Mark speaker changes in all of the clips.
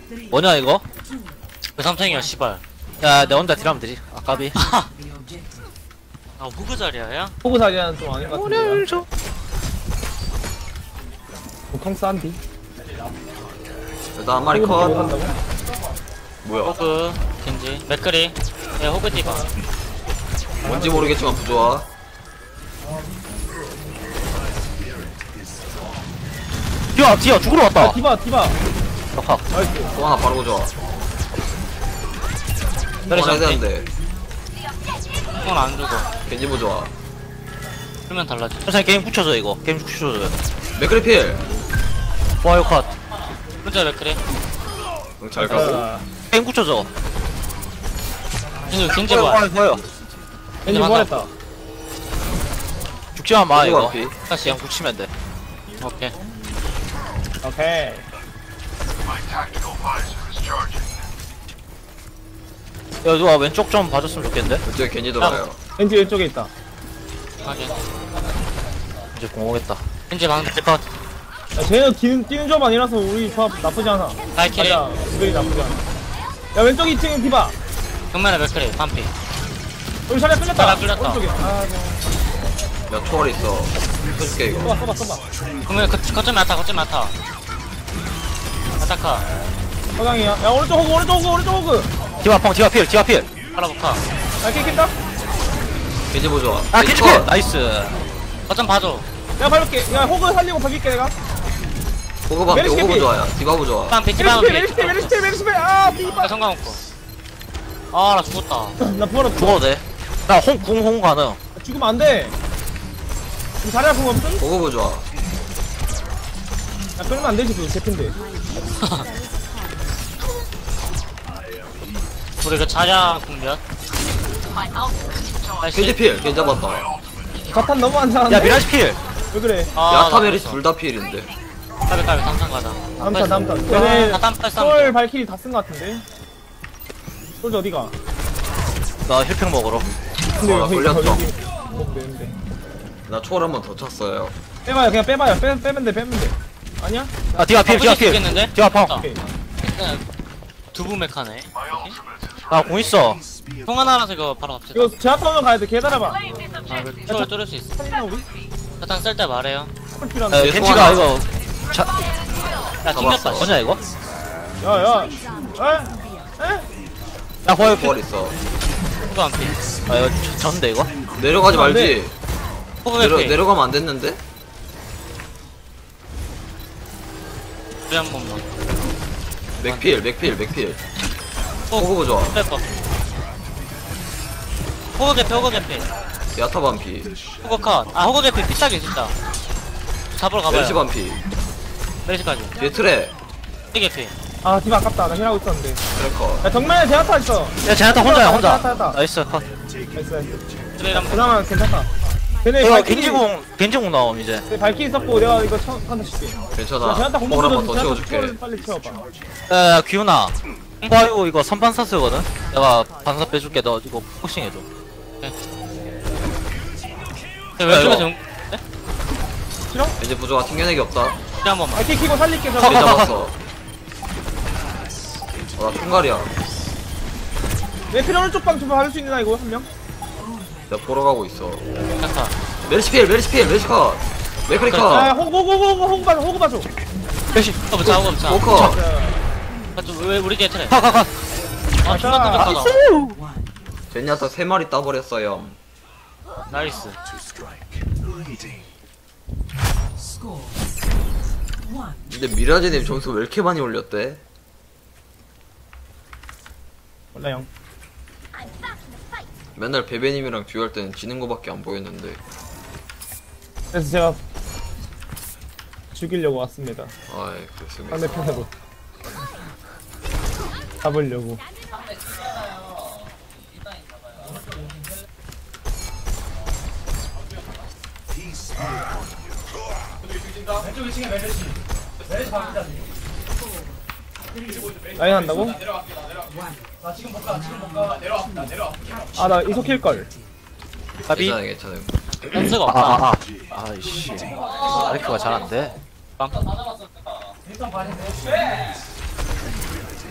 Speaker 1: 뭐냐 이거?
Speaker 2: 그 삼탱이야 씨발.
Speaker 1: 야 내 혼자 딜하면 되지. 아까비.
Speaker 2: 아 호그 자리야야?
Speaker 3: 호구 사기는 좀 아닌 것 같은데.
Speaker 1: 오늘 좀.
Speaker 3: 보통 싼디.
Speaker 4: 일단 한 마리 컷. 뭐야?
Speaker 2: 호그 겐지 맥크리. 예 호그 디바.
Speaker 4: 뭔지 모르겠지만 부조화.
Speaker 1: 디아 죽으러 왔다.
Speaker 3: 아 디바.
Speaker 1: 덕학.
Speaker 3: 나이스.
Speaker 4: 또 하나 바로 부조화.
Speaker 1: 때리지
Speaker 4: 해야
Speaker 1: 않게.
Speaker 4: 되는데.
Speaker 2: 형은 안 죽어.
Speaker 4: 겐지 부조화.
Speaker 2: 그러면 달라지.
Speaker 1: 천천히 게임 붙여줘 이거. 게임 붙여줘요.
Speaker 4: 맥크리필.
Speaker 1: 와요 컷.
Speaker 2: 혼자 맥크리.
Speaker 4: 잘 가고.
Speaker 3: 아,
Speaker 1: 게임 붙여줘.
Speaker 2: 겐지 봐.
Speaker 1: 와요.
Speaker 3: 왠지 뭐랬다.
Speaker 1: 죽지만 마 이거.
Speaker 4: 피.
Speaker 2: 다시
Speaker 1: 그냥 붙이면 돼.
Speaker 2: 오케이.
Speaker 3: 오케이.
Speaker 1: 야 누가 왼쪽 좀 봐줬으면 좋겠는데.
Speaker 4: 왼쪽에 겐지 돌아요.
Speaker 3: 왠지 왼쪽에 있다.
Speaker 2: 확인.
Speaker 1: 이제 공 오겠다.
Speaker 2: 겐지 방금 컷.
Speaker 3: 야, 쟤는 뛰는 조합 아니라서 우리 조합 나쁘지 않아.
Speaker 2: 발키리.
Speaker 3: 맞아. 우리 나쁘지 않아. 야 왼쪽 2층에 디바.
Speaker 2: 정면에 맥크리 반피.
Speaker 3: 여기 자리에 끌렸다.
Speaker 2: 자리에 끌렸다.
Speaker 3: 오른쪽에. 아,
Speaker 4: 야 초월 있어. 켜줄게 이거.
Speaker 3: 써봐.
Speaker 2: 그러면 거점 야타. 아타카.
Speaker 3: 서강이야. 야 오른쪽 호그.
Speaker 1: 디아 필.
Speaker 2: 팔아볼까?
Speaker 3: 야 킥다.
Speaker 4: 겐지 부조화.
Speaker 1: 아
Speaker 4: 겐지
Speaker 1: 캔치
Speaker 4: 컷.
Speaker 1: 나이스.
Speaker 2: 거점 봐줘.
Speaker 3: 야 밟을게. 야 호그 살리고 밟을게 내가.
Speaker 4: 호그 반피.
Speaker 3: 메르시
Speaker 4: 호그
Speaker 3: 캐피.
Speaker 4: 부조화야. 디바 부조화.
Speaker 2: 반피 디바
Speaker 3: 메리스테. 아 디바.
Speaker 2: 성광 없고. 아나 죽었다.
Speaker 3: 나 부활어.
Speaker 1: 죽어도 돼. 나 홍 가능.
Speaker 3: 죽으면 안 돼. 지금 자리 아픈 거 없음?
Speaker 4: 호그 부조화.
Speaker 3: 야 끌면 안 되지 그거 제핀데.
Speaker 2: 우리 그 자야 국면.
Speaker 4: 겐지 필. 겐지 잡았다.
Speaker 3: 자탄 너무 안 잘하네.
Speaker 1: 야 미라지 필.
Speaker 3: 왜 그래?
Speaker 4: 야타 메리시 둘 다 필인데.
Speaker 2: 까비 당장 가자.
Speaker 3: 다음 탄.
Speaker 2: 아,
Speaker 3: 얘네
Speaker 2: 다 땀
Speaker 3: 솔 발키리 다 쓴 거 같은데. 솔 어디가?
Speaker 1: 나 힐팩 먹으러.
Speaker 3: 근데
Speaker 4: 나 걸렸어.
Speaker 3: 먹으면 되는데.
Speaker 4: 나 초월 한 번 더 쳤어요.
Speaker 3: 빼봐요 그냥 빼봐요. 빼면 돼. 아니야?
Speaker 1: 아 디아 필.
Speaker 2: 있겠는데?
Speaker 1: 디아 펑.
Speaker 3: 오케이.
Speaker 2: 두부 메카네.
Speaker 1: 나공 있어.
Speaker 2: 통 하나라서 이거 바로 갑시다.
Speaker 3: 이거 제아타 오면 가야 돼. 기다려봐.
Speaker 2: 아, 이거 초월 뚫을 수 있어.
Speaker 3: 살리나 우리?
Speaker 2: 사탕 쓸 때 말해요.
Speaker 3: 헐
Speaker 1: 야
Speaker 3: 필요한데.
Speaker 1: 겐지가 이거.
Speaker 2: 야, 튕겼다.
Speaker 1: 뭐냐 이거?
Speaker 3: 야야. 에?
Speaker 1: 야 호요 필.
Speaker 4: 초월 있어.
Speaker 2: 호그 안 피.
Speaker 1: 아 이거 졌는데 이거?
Speaker 4: 내려가지
Speaker 3: 안 돼.
Speaker 4: 말지.
Speaker 2: 호그 피.
Speaker 4: 내려가면 안 됐는데?
Speaker 2: 우리 한 번만.
Speaker 4: 맥필. 호그 부조화.
Speaker 2: 빼봐. 호그 개피.
Speaker 4: 야타 반피.
Speaker 2: 호그 컷. 아, 호그 개피 비싸게 진짜. 잡으러 가봐요.
Speaker 4: 메리시 반피.
Speaker 2: 메리시까지.
Speaker 4: 뒤에 트레.
Speaker 2: 개피.
Speaker 3: 아 디바 아깝다. 나 힐하고 있었는데.
Speaker 4: 트래커.
Speaker 3: 야 정면에 제아타 있어.
Speaker 1: 야 제나타 혼자야 혼자.
Speaker 3: 됐다.
Speaker 1: 나이스 컷.
Speaker 3: 나이스.
Speaker 2: 트레일 한 번.
Speaker 3: 그나마 괜찮다. 걔네
Speaker 1: 이거
Speaker 3: 발키리
Speaker 1: 겐지공 나옴 이제.
Speaker 3: 발키리 썼고 내가 이거 한대 칠게.
Speaker 4: 괜찮아.
Speaker 3: 제아타
Speaker 4: 호그 한 번 더
Speaker 3: 공격으로
Speaker 4: 채워줄게.
Speaker 3: 빨리 채워봐.
Speaker 1: 야 기훈아. 와이고 이거 선반사 쓰거든. 내가 반사 빼줄게. 너 이거 포싱 해줘.
Speaker 2: 왼쪽에서 용.
Speaker 4: 이제 부조화 튕겨내기 없다.
Speaker 2: 한 번만.
Speaker 3: 발키리 키고 살릴게.
Speaker 4: 겐
Speaker 3: 저거.
Speaker 4: 잡았어. 나 총갈이야.
Speaker 3: 내 필요 오른쪽 방 좀 받을 수 있나 이거 한 명?
Speaker 4: 내가 보러 가고 있어.
Speaker 2: 야타.
Speaker 4: 메리시 컷. 맥크리
Speaker 3: 야
Speaker 4: 컷.
Speaker 3: 호구 봐줘.
Speaker 1: 역시.
Speaker 2: 호그 붙자.
Speaker 4: 호커.
Speaker 2: 왜 우리 뒤에 트레?
Speaker 1: 가.
Speaker 2: 아, 존나 깜짝하다.
Speaker 4: 젠야타 3마리 따버렸어요.
Speaker 2: 나이스.
Speaker 4: 근데 미라제님 점수 왜 이렇게 많이 올렸대?
Speaker 3: 몰라 형.
Speaker 4: 맨날 베베님이랑 듀얼 때는 지는 거밖에 안 보였는데.
Speaker 3: 그래서 제가 죽이려고 왔습니다.
Speaker 4: 아이 그렇습니다.
Speaker 3: 상대편으로 잡으려고. 라인 한다고? 아 나 이속 킬걸.
Speaker 1: 가비.
Speaker 4: 괜찮아요.
Speaker 2: 센스가 없다.
Speaker 1: 아이씨. 마이크가 잘 안 돼.
Speaker 2: 빵.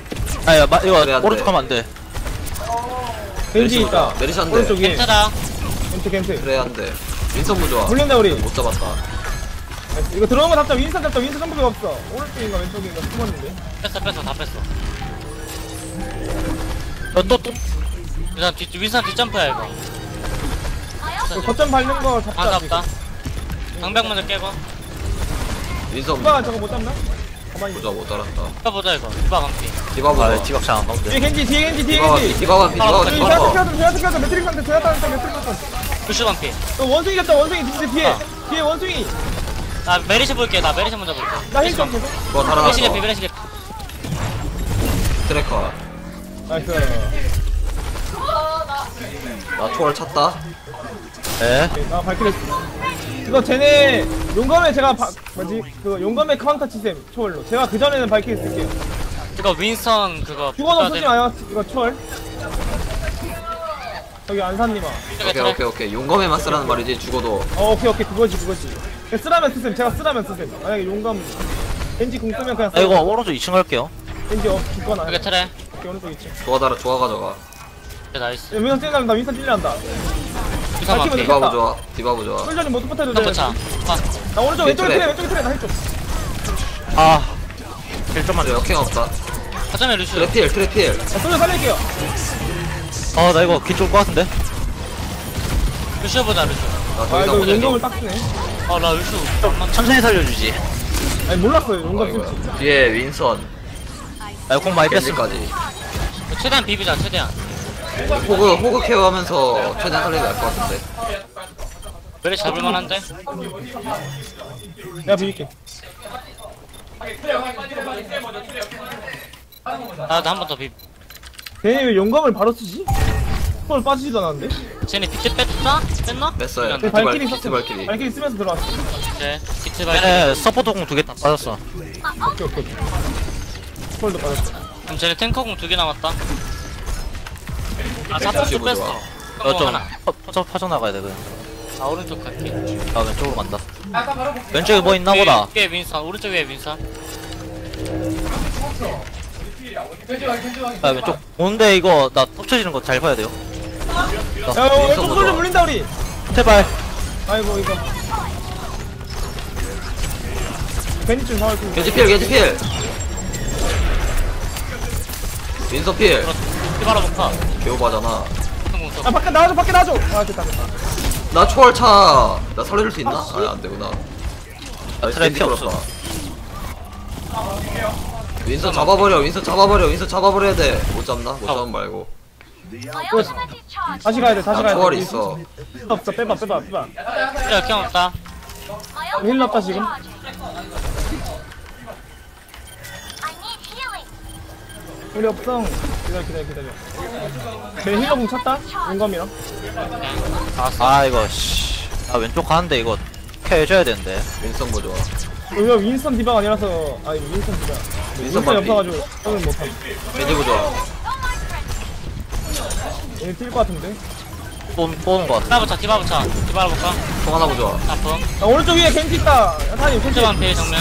Speaker 1: 아야 이거
Speaker 4: 그래, 안 돼.
Speaker 1: 오른쪽 가면 안돼.
Speaker 3: 겐지 있다.
Speaker 4: 메리시 한 대.
Speaker 3: 오른쪽에.
Speaker 2: 괜찮아.
Speaker 3: 겐트.
Speaker 4: 그래 한대. 윈선 부좋아.
Speaker 3: 물린다 우리.
Speaker 4: 못 잡았다.
Speaker 3: 나이스. 이거 들어오는 거 잡자. 윈선 잡자. 윈선 점프가 없어. 오른쪽인가 왼쪽인가 숨었는데.
Speaker 2: 뺐어 다 뺐어.
Speaker 1: 또
Speaker 2: 일단 윈선 뒷점프야 이거.
Speaker 3: 그 거점 밟는 거 잡자.
Speaker 2: 반갑다. 방벽 먼저 깨고.
Speaker 4: 윈선
Speaker 3: 디바가 저거 못 잡나? 가만히 있어.
Speaker 4: 부좋아 못 잡았다.
Speaker 2: 해보자 이거. 디바 감피.
Speaker 4: 디바
Speaker 1: 아
Speaker 4: 부좋아.
Speaker 1: 디박차 안 나온대.
Speaker 3: 뒤에 겐지 뒤에 겐지 뒤에
Speaker 4: 디바
Speaker 3: 겐지.
Speaker 4: 피 디바 피 디바
Speaker 2: 아,
Speaker 4: 피
Speaker 3: 저기
Speaker 4: 디바
Speaker 3: 제아트
Speaker 4: 피.
Speaker 3: 켜줘. 제아트 켜줘. 매트릭 상태. 제아트 상태. 매트릭 상태.
Speaker 2: 루슈 감피.
Speaker 3: 원숭이 잡자. 원숭이 뒤에.
Speaker 2: 아.
Speaker 3: 뒤에 원숭이.
Speaker 2: 나 메리시 볼게. 나 메리시 먼저 볼게.
Speaker 3: 나 힐좀 계속.
Speaker 4: 뭐
Speaker 2: 메리시 개피
Speaker 4: 달아났어.
Speaker 2: 메리시 개피.
Speaker 4: 트래커.
Speaker 3: 나이스.
Speaker 4: 나 초월 찼다.
Speaker 1: 네.
Speaker 3: 오케이, 나 발키리 이거 쟤네 용검에 제가 뭐지 그 용검에 카운터 치셈 초월로 제가 그 전에는 발키리 쓸게요.
Speaker 2: 이거 윈선 그거.
Speaker 3: 죽어도 쓰지 마요. 이거 초월. 여기 안산님아.
Speaker 4: 오케이. 용검에만 쓰라는 말이지 죽어도.
Speaker 3: 오케이 그거지. 그냥 쓰라면 쓰셈. 제가 쓰라면 쓰셈. 만약에 용검 겐지 궁 쓰면 그냥
Speaker 1: 아 이거 오른쪽 2층 갈게요.
Speaker 3: 겐지 죽거나.
Speaker 2: 여기 트레.
Speaker 3: 오케이 오른쪽 있지.
Speaker 4: 좋아 가져가.
Speaker 2: 나이스.
Speaker 3: 윈선 찔린다. 윈선 찔린다.
Speaker 2: 윈선 감피.
Speaker 3: 이거.
Speaker 4: 디바 부좋아.
Speaker 3: 솔전이 못 붙어도 돼.
Speaker 2: 윈선 차.
Speaker 3: 나 오른쪽 왼쪽에
Speaker 4: 트레.
Speaker 3: 트레 왼쪽에 트레 나 힐 좀.
Speaker 1: 아. 힐 좀만
Speaker 4: 그래
Speaker 1: 줘.
Speaker 4: 역행 없다.
Speaker 2: 가자면 루슈.
Speaker 4: 트래필.
Speaker 3: 나 솔전 살릴게요.
Speaker 1: 나 이거 긴 좋을 것 같은데.
Speaker 2: 루슈 보자 루슈.
Speaker 3: 아 이거
Speaker 4: 나더
Speaker 3: 용검을 딱 쓰네.
Speaker 2: 나 루슈.
Speaker 1: 천천히 살려주지.
Speaker 3: 아니 몰랐어요. 용검 쓸지.
Speaker 4: 뒤에 윈선.
Speaker 1: 아 공 많이 뺐어.
Speaker 4: 겐지까지.
Speaker 2: 최대한 비비자 최대한.
Speaker 4: 호그 케어하면서 최대한 살리게 할 것 같은데.
Speaker 2: 메리시 잡을만한데?
Speaker 3: 내가 비빌게.
Speaker 2: 나도 한 번 더 비비.
Speaker 3: 걔네 왜 용검을 바로 쓰지? 헐 빠지지도 않았는데?
Speaker 2: 쟤네 비트 뺐나? 뺐나?
Speaker 4: 뺐어요.
Speaker 3: 걔 발키리
Speaker 4: 비트
Speaker 3: 썼어.
Speaker 4: 발키리.
Speaker 3: 발키리 쓰면서 들어왔어.
Speaker 2: 네. 비트 발키.
Speaker 1: 얘네 서포터 공 2개 다 빠졌어.
Speaker 3: 오케이. 헐도 빠졌어.
Speaker 2: 그럼 쟤네 탱커공 2개 남았다. 아,
Speaker 4: 다시
Speaker 2: 4포트
Speaker 4: 보자.
Speaker 2: 뺐어.
Speaker 1: 이거 좀
Speaker 2: 하나.
Speaker 1: 퍼져나가야 돼 그냥.
Speaker 2: 아, 오른쪽 갈게.
Speaker 1: 아 왼쪽으로 간다. 왼쪽에 뭐 있나 보다.
Speaker 2: 위에 윈선, 오른쪽 위에 윈선.
Speaker 1: 아 왼쪽. 오는데 이거 나 덮쳐지는 거 잘 봐야 돼요.
Speaker 3: 야, 왼쪽 솔좀 물린다 우리.
Speaker 1: 제발.
Speaker 3: 아이고 이거. 괜히 좀 사올 거.
Speaker 4: 겐지필. 윈선 필.
Speaker 2: 피바라 복파.
Speaker 4: 개오바잖아.
Speaker 2: 성공 써.
Speaker 3: 아 밖에 나와줘. 아 됐다.
Speaker 4: 나 초월 차. 나 살려줄 수 있나? 아, 안 되구나.
Speaker 1: 트랩 피 없어.
Speaker 4: 윈선 잡아버려야 돼. 못 잡나? 못 잡으면 말고.
Speaker 3: 다시 가야 돼.
Speaker 4: 나 초월이 있어.
Speaker 3: 없어. 빼봐.
Speaker 2: 그래, 그냥 없다.
Speaker 3: 힐 났다 지금. 우리 없어. 기다려. 걔 힐러공 찼다. 용검이랑.
Speaker 1: 아 이거 씨. 아 왼쪽 가는데 이거 해줘야 되는데.
Speaker 4: 윈선 뭐 좋아.
Speaker 3: 이거 윈선 디바가 아니라서 윈선 디바. 윈선이
Speaker 4: 반피.
Speaker 3: 없어가지고 오늘 못함.
Speaker 4: 겐지 뭐 좋아.
Speaker 3: 얘 뛸 것 같은데.
Speaker 1: 쏘는 거 같아.
Speaker 2: 디바라 볼까?
Speaker 4: 총 하나 뭐 좋아.
Speaker 2: 아픔.
Speaker 3: 나 오른쪽 위에 겐지 있다. 야타님 겐지.
Speaker 2: 펜트만 피해, 정면.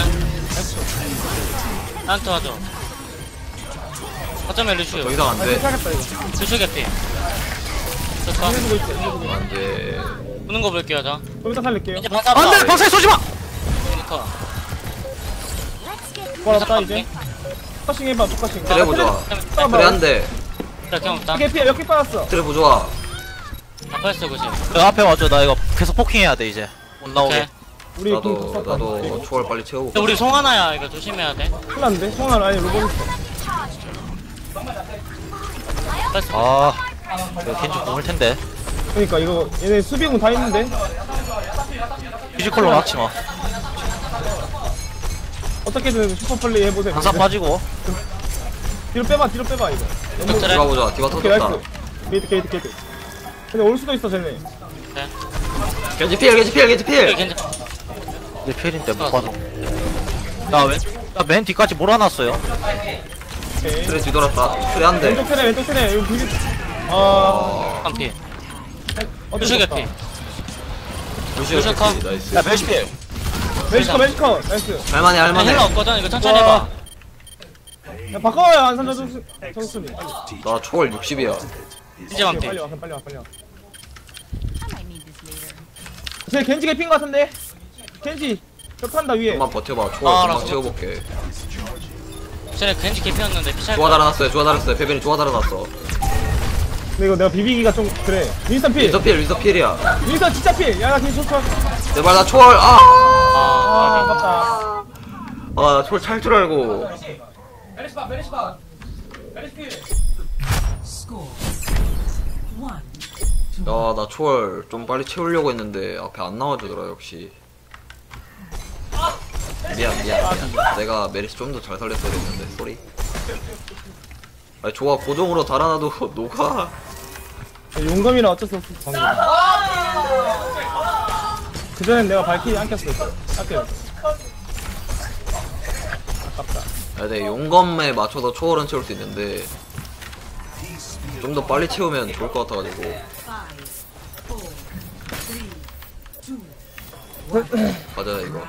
Speaker 2: 나한테 도와줘. 어쩌면 루슈.
Speaker 4: 더 이상 안 돼.
Speaker 3: 괜찮겠다 이거.
Speaker 2: 루슈 개피. 좋다.
Speaker 3: 힐러주고 있어.
Speaker 4: 안 돼.
Speaker 2: 보는 거 볼게요, 저.
Speaker 3: 좀 이따 살릴게요.
Speaker 2: 이제 반사
Speaker 1: 안돼 방사에 쏘지 마.
Speaker 2: 터
Speaker 3: 걸었다 이제. 포커싱 해봐 포커싱.
Speaker 4: 트랩 뭐 좋아. 그래 한 대.
Speaker 2: 그래, 그냥 없다.
Speaker 3: 이게 피해 몇개 빠졌어.
Speaker 4: 트랩 뭐 좋아.
Speaker 2: 아파했어, 그지?
Speaker 1: 그 앞에 와줘. 나 이거 계속 포킹해야 돼 이제. 못 나오게.
Speaker 2: 오케이.
Speaker 3: 우리
Speaker 4: 나도 초월 빨리 채우고.
Speaker 2: 근데 우리 송하나야, 이거 조심해야 돼.
Speaker 3: 큰일 났는데? 성환 아니 로봇 있어.
Speaker 2: 아파했어.
Speaker 1: 이거 겐지 공을 텐데.
Speaker 3: 그러니까 이거 얘네 수비공 다 있는데.
Speaker 1: 피지컬로 막지 마.
Speaker 3: 어떻게든 슈퍼플레이 해보세요.
Speaker 1: 방사 빠지고.
Speaker 3: 뒤로 빼봐 이거.
Speaker 2: 이거 트레.
Speaker 4: 디바 보자. 디바
Speaker 3: 오케이
Speaker 4: 터졌다.
Speaker 3: 나이스. 게이트. 근데 올 수도 있어 쟤네.
Speaker 4: 겐지 필.
Speaker 2: 오케이, 괜찮.
Speaker 1: 내 필인데 못 봐도. 나맨 뒤까지 몰아놨어요.
Speaker 3: 오케이.
Speaker 4: 트랩 뒤돌았다. 트랩 한 대.
Speaker 3: 왼쪽 테레 이거 비비.
Speaker 2: 한 피.
Speaker 3: 어쩔
Speaker 2: 루슈
Speaker 3: 수
Speaker 2: 개피.
Speaker 3: 없다.
Speaker 4: 루시오
Speaker 2: 컷.
Speaker 4: 캐치. 나이스.
Speaker 1: 야 멜시필.
Speaker 3: 멜시커 나이스.
Speaker 4: 할만해.
Speaker 2: 힐러 없거든, 이거 천천히
Speaker 3: 와.
Speaker 2: 해봐.
Speaker 3: 야 바꿔요 안산자 정수님.
Speaker 4: 나 초월 60이야.
Speaker 2: 이제 만피.
Speaker 3: 빨리 와. 쟤 겐지 개핀 거 같은데. 겐지 벽한다 위에.
Speaker 4: 좀만 버텨봐.
Speaker 2: 아,
Speaker 4: 초월 금방
Speaker 2: 알았어.
Speaker 4: 채워볼게.
Speaker 2: 쟤네 겐지 개피였는데 피차.
Speaker 4: 좋아 달아놨어요. 좋아 달았어요. 페벨이 좋아 달아놨어.
Speaker 3: 근데 이거 내가 비비기가 좀 그래. 윈스턴 필.
Speaker 4: 윈서 필이야.
Speaker 3: 윈스턴 진짜 필. 야나 겐지 좋다.
Speaker 4: 제발 나 초월.
Speaker 3: 아
Speaker 2: 아,
Speaker 3: 아깝다.
Speaker 4: 나 초월 찰 줄 알고. 야, 나 초월 좀 빨리 채우려고 했는데 앞에 안 나와주더라 역시. 미안. 내가 메리시 좀 더 잘 살렸어야 됐는데 쏘리. 아니 좋아 고정으로 달아놔도 녹아.
Speaker 3: 용검이라 어쩔 수 없어 방금. 그전엔 내가 발키리 안 꼈어. 아껴. 아깝다.
Speaker 4: 야, 내 용검에 맞춰서 초월은 채울 수 있는데 좀 더 빨리 채우면 좋을 것 같아가지고. 맞아 이거.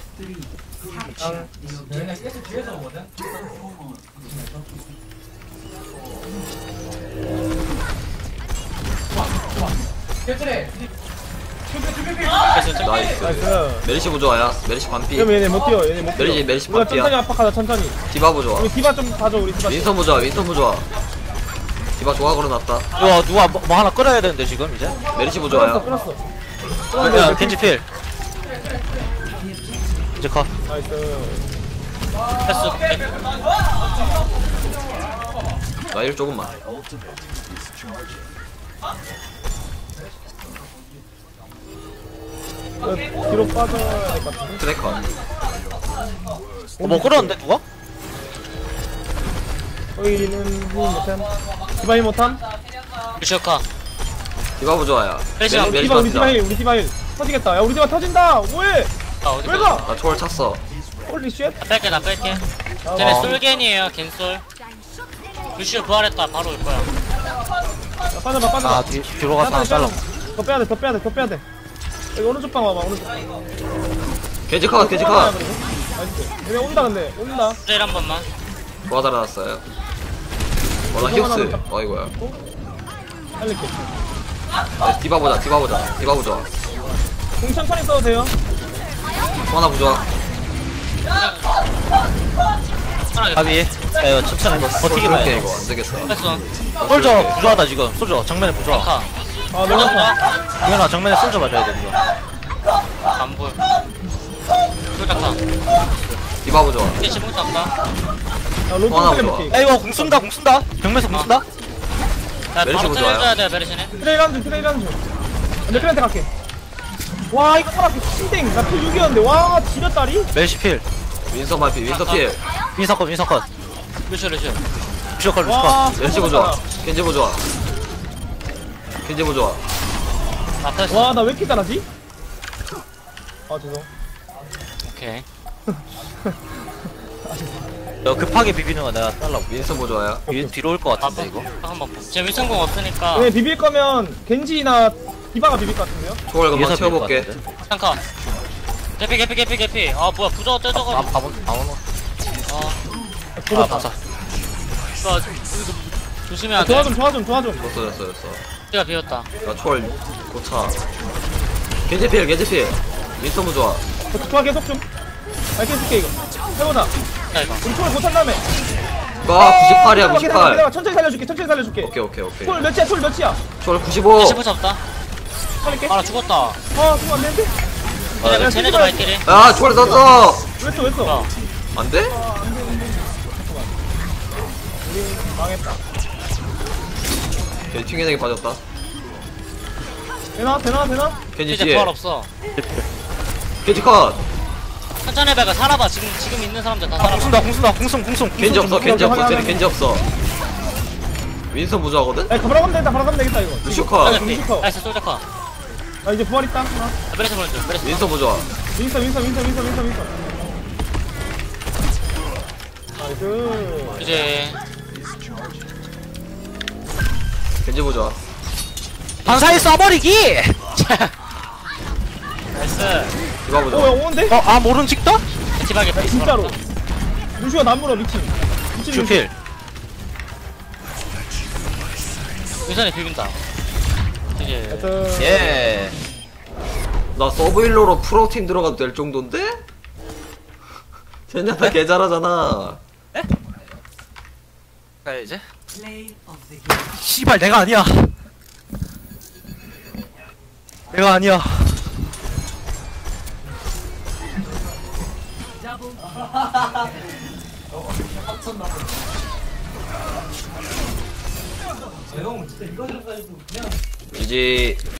Speaker 4: 나이스.
Speaker 3: 나이스.
Speaker 4: 메리시 부조아야. 메리시 반피.
Speaker 3: 그럼 얘네 못 뛰어. 얘네 못 뛰어.
Speaker 4: 메리시
Speaker 3: 우리가
Speaker 4: 반피야.
Speaker 3: 천천히 압박하자 천천히.
Speaker 4: 디바 부조아.
Speaker 3: 우리 디바 좀 봐줘 우리 디바.
Speaker 4: 윈선 부조아. 디바 좋아 걸어놨다.
Speaker 1: 이거 누가 뭐 하나 끌어야 되는데 지금 이제.
Speaker 4: 메리시 부조아야.
Speaker 3: 끊었어.
Speaker 1: 야 겐지 필. 이제 컷.
Speaker 3: 나이스.
Speaker 2: 패스.
Speaker 4: 나 일 조금만.
Speaker 3: 뒤로 빠져야 될 것 같은데.
Speaker 4: 트래커.
Speaker 1: 뭐 끌었는데 누가?
Speaker 3: 여기는 힘 못함. 디바 힘 못함.
Speaker 2: 루시오카.
Speaker 4: 디바 부조아야.
Speaker 2: 메리시
Speaker 4: 메리시
Speaker 3: 디바 우리 디바
Speaker 4: 반피다.
Speaker 3: 힐 우리 디바 힐. 터지겠다. 야 우리 디바 터진다. 뭐해?
Speaker 2: 아, 어디
Speaker 3: 왜
Speaker 2: 가?
Speaker 3: 가?
Speaker 4: 나 초월 찼어.
Speaker 3: 홀리 쉣.
Speaker 2: 나 뺄게.
Speaker 3: 아,
Speaker 2: 쟤네
Speaker 1: 어.
Speaker 2: 솔겐이에요, 겐솔. 루시오 부활했다, 바로 올 거야.
Speaker 3: 야, 빠져봐.
Speaker 1: 아 뒤로 가서 하나 잘라.
Speaker 3: 더 빼야 돼. 여기 오른쪽 방 와봐. 오른쪽 방.
Speaker 4: 겐지컷.
Speaker 3: 나이스. 얘네 온다 근데. 온다.
Speaker 2: 트레일 한 번만.
Speaker 4: 좋아 달아놨어요. 나 히옵스. 어이구야.
Speaker 3: 살릴게.
Speaker 4: 디바 보자. 디바 부조아.
Speaker 3: 공 천천히 써도 돼요.
Speaker 4: 하나 부조아.
Speaker 2: 하나
Speaker 1: 가비. 야 이거 천천히 버티기만
Speaker 4: 그렇게
Speaker 1: 해.
Speaker 4: 이거 안 되겠어.
Speaker 2: 패스.
Speaker 1: 솔저 부조하다 지금. 솔저 정면에 부조하.
Speaker 2: 카.
Speaker 3: 아 너무 아파.
Speaker 1: 이현아 정면에 솔저 맞아야 돼 이거.
Speaker 2: 안 보여. 솔직카.
Speaker 4: 디바 부조아.
Speaker 2: 이게 지붕도 없다.
Speaker 3: 야 로드
Speaker 4: 하나
Speaker 3: 살려볼게.
Speaker 1: 야 이거 공 쏜다. 정면에서 공 쏜다.
Speaker 2: 야,
Speaker 4: 메리시
Speaker 2: 바로
Speaker 4: 보조아요.
Speaker 2: 때려줘야 돼, 메리시는.
Speaker 3: 트레일 한줄 내 클랜트 갈게. 와 이거 살았어. 신땡. 나필 6이었는데. 와 지렸다리.
Speaker 1: 멜시 필.
Speaker 4: 윈서 반피. 윈서 필.
Speaker 1: 윈서 컷.
Speaker 2: 루시오.
Speaker 1: 루시오 컷.
Speaker 3: 와.
Speaker 4: 멜시 부조아. 겐지 부조아.
Speaker 2: 나 패스.
Speaker 3: 와 나 왜 이렇게 잘하지? 아 죄송.
Speaker 2: 오케이.
Speaker 1: 야 급하게 비비는 거 내가 잘라고.
Speaker 4: 윈서 부조아야.
Speaker 1: 뒤로 올 것 같은데 이거.
Speaker 2: 한번 봐. 쟤 윌성공 없으니까.
Speaker 3: 얘네 비빌 거면 겐지나 디바가 비빌 것 같은데요?
Speaker 4: 초월 금방
Speaker 1: 위에서
Speaker 4: 채워볼게.
Speaker 1: 비빌 것 같은데.
Speaker 2: 쌍카. 개피. 아, 뭐야, 부저 떼져가지고.
Speaker 1: 바본. 아 맞아.
Speaker 2: 이거 조심해야 돼.
Speaker 3: 좋아 좀.
Speaker 4: 졌어.
Speaker 2: 내가 비웠다.
Speaker 4: 나 초월 고차. 겐지 필. 윈서 부조아.
Speaker 3: 좋아 계속 좀. 밝게 쓸게 이거. 해보자.
Speaker 2: 야, 이거.
Speaker 3: 우리 초월 못한 다음에.
Speaker 4: 아 98이야
Speaker 3: 기다려봐,
Speaker 4: 98.
Speaker 3: 기다려봐. 천천히 살려줄게.
Speaker 4: 오케이.
Speaker 3: 초월 몇이야?
Speaker 4: 초월 95.
Speaker 2: 15 잡다.
Speaker 3: 살릴게.
Speaker 2: 아, 나 죽었다.
Speaker 3: 아 그거 안 되는데?
Speaker 2: 쟤네, 쟤네도 발길이.
Speaker 4: 야 초월 썼어.
Speaker 3: 왜 써?
Speaker 2: 어.
Speaker 4: 안 돼?
Speaker 3: 망했다.
Speaker 4: 겐지 튕겨내기 빠졌다.
Speaker 3: 되나?
Speaker 4: 겐지
Speaker 2: 이제
Speaker 4: 뒤에.
Speaker 2: 부활 없어.
Speaker 4: 겐지 컷.
Speaker 2: 천천히 해봐. 살아봐. 지금 있는 사람들 다 살아봐.
Speaker 1: 공순다.
Speaker 4: 겐지 없어.
Speaker 3: 확인.
Speaker 4: 쟤네 겐지 없어. 윈선 부조하거든?
Speaker 3: 야 바로 가면 되겠다 이거.
Speaker 4: 루시오 컷.
Speaker 2: 나이스,
Speaker 3: 루시오.
Speaker 2: 나이스, 솔저카.
Speaker 3: 나 이제 부활 있다. 하나.
Speaker 2: 메리시 보내줘. 메리시.
Speaker 4: 윈선 부조아.
Speaker 3: 윈서. 나이스.
Speaker 2: 이제.
Speaker 4: 겐지 부조아.
Speaker 1: 반사에 쏴버리기.
Speaker 2: 나이스.
Speaker 4: 디바 부조아.
Speaker 3: 오야 오는데?
Speaker 1: 모른 찍다?
Speaker 2: 티박에
Speaker 3: 야, 진짜로. 루시오가 난 물어 미친.
Speaker 1: 슈필.
Speaker 2: 예전에 비빈다. 이제
Speaker 1: 예.
Speaker 4: 나 서브힐러로 프로팀 들어가도 될 정도인데? 젠야타 개 잘하잖아.
Speaker 1: 가야지. 씨발 내가 아니야. 내가 아니야.
Speaker 4: GG.